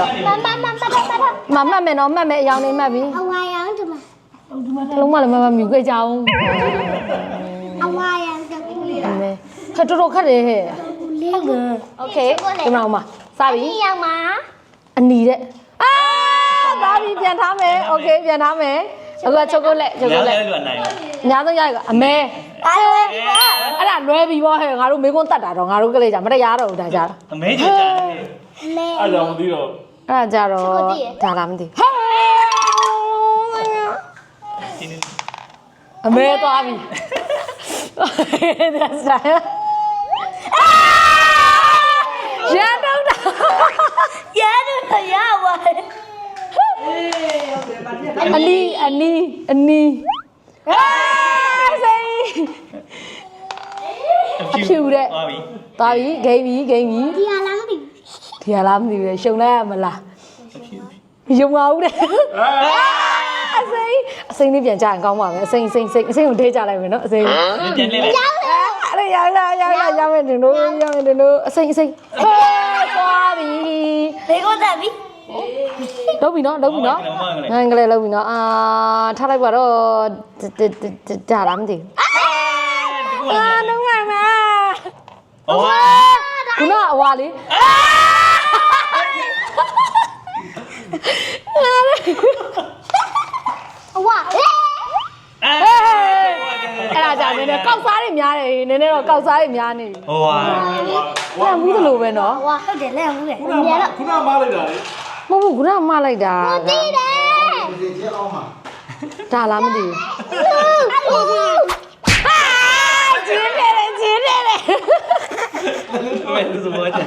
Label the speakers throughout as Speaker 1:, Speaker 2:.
Speaker 1: မမှတ်မယ်နော်မှတ်မယ်အယောင်နေမှတ်ပြီအဝါရောင်ဒီမှာလုံးဝလည်းမမြူခဲ့ကြအောင်အဝါရောင်တူလေးလားခက်တော်ခက်တယ်ဟဲ့ဟုတ်တယ်โอเคဒီမှာမှာစပြီအနီရောင်မှာအနီတဲ့ပါပြီပြန်ထားမယ်โอเคပြန်ထားမယ်အခုချိုကိုလက်ချိုကိုလက်ညာဆုံးရကအမဲအဲ့ဒါလွဲပြီပေါ့ဟဲ့ငါတို့မေကွန်းတတ်တာတော့ငါတို့ကလေးကြမတရားတော့ဘူးဒါကြတော့
Speaker 2: အမဲကြတယ်အဲ့ကြောင့်မသိတော့
Speaker 1: အဲ့ဒါကြတော့ဒါလားမသိအမဲသွားပြီဒါစားရတော့တာရတော့ရပါအနီစိန်ဖြူတဲ့သွားပြီဂိမ်းပြီဒီဟာလားမသိဘူးရှုံလိုက်ရမလားယုံပါဦးတဲ့အစိမ်းလေးပြန်ကြရင်ကောင်းပါမယ်အစိမ်းကိုထဲကြလိုက်မယ်နော်အစိမ်း
Speaker 2: ပြန်လေးလိုက်
Speaker 1: အဲ့ရောက်မယ်တင်တို့အစိမ်းဟဲ့သွားပြီဘေးကိုတက်ပြီလုပ်ပြီနော်ငန်းကလေးလုပ်ပြီနော်ထားလိုက်ပါတော့ဒါလားမသိဘူးလုံးဝမှာခုနအဝါလေးအဝါအဲ့ဒါကြာနေတယ်ကောက်စားတွေများတယ်နည်းနည်းတော့ကောက်စားတွေများနေပြီ
Speaker 2: ဟိုဟာ
Speaker 1: လက်မှုသလိုပဲနော်
Speaker 3: ဟွာဟုတ်တယ်လက်မှုတယ်
Speaker 2: ခုနမလိုက်တာလေ
Speaker 1: မဟုတ်ဘူးခုနမလိုက်တာ
Speaker 3: သိတယ်
Speaker 2: ဒီချက်အောင်မှာ
Speaker 1: ဒါလားမသိဘူးကျင်းတယ်
Speaker 2: မဲသူစမောချာ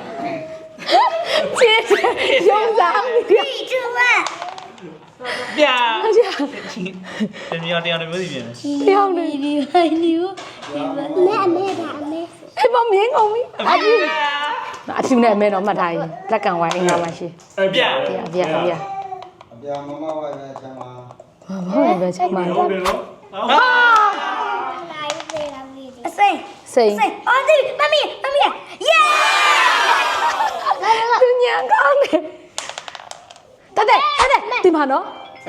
Speaker 1: ကျင်းရုံစား
Speaker 3: ဒီကျမ
Speaker 2: ပြာတင်မြောင်တရားတွေမျိုးစီပြန်
Speaker 1: တယောက်နေ
Speaker 3: ဒီဟိုင်းနီမဲ
Speaker 1: အဲ့မမြင်ကုန်ပြီအဖြူနဲ့အမဲတော့မှတ်ထားရင်လက်ကန်ဝိုင်းအင်္ဂါမရှိ
Speaker 2: ပြာ
Speaker 4: မမဝိုင်းနဲ့ချမ်းပါ
Speaker 1: ဟုတ်ပဲချက်မှန်
Speaker 2: ဟုတ်တယ်နော်
Speaker 3: အစိမ်းအော်ဒီမမီယေ
Speaker 1: သူညံကောင်းတယ်တဲ့ဒီမှာနော်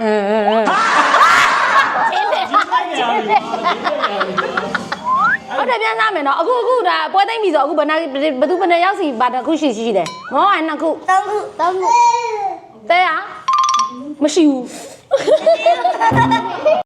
Speaker 1: ဟုတ်တယ်ပြန်စားမယ်နော်အခုဒါပွဲသိမ့်ပြီဆိုအခုဘယ်သူဘယ်နှရောက်စီပါတစ်ခုရှိတယ်မောအဲ့နှစ်ခု
Speaker 3: 3ခု
Speaker 1: တဲရမရှိဘူး